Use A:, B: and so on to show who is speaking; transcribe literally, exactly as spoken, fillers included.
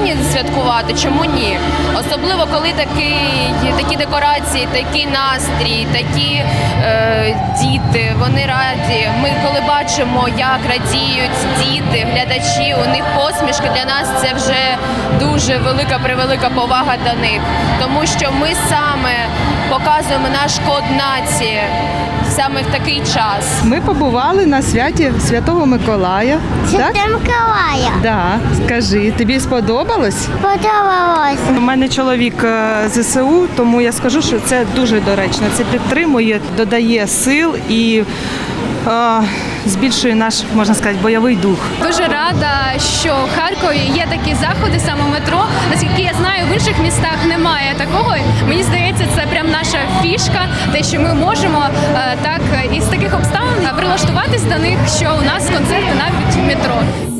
A: повинні святкувати, чому ні? Особливо, коли такі, такі декорації, такий настрій, такі е, діти, вони раді. Ми коли бачимо, як радіють діти, глядачі, у них посмішки, для нас це вже дуже велика-превелика повага до них. Тому що ми саме показуємо наш код нації саме в такий час.
B: Ми побували на святі Святого Миколая.
C: Святого
B: Так?
C: Миколая.
B: Да. Скажи, тобі сподобалось?
C: Подобалось.
B: У мене чоловік е, ЗСУ, тому я скажу, що це дуже доречно. Це підтримує, додає сил і е, збільшує наш, можна сказати, бойовий дух.
D: Дуже рада, що в Харкові є такі заходи, саме метро. Наскільки я знаю, в інших містах немає такого. Мені здається, це прям наша фішка, те, що ми можемо е, так із таких обставин прилаштуватись до них, що у нас концерти навіть в метро.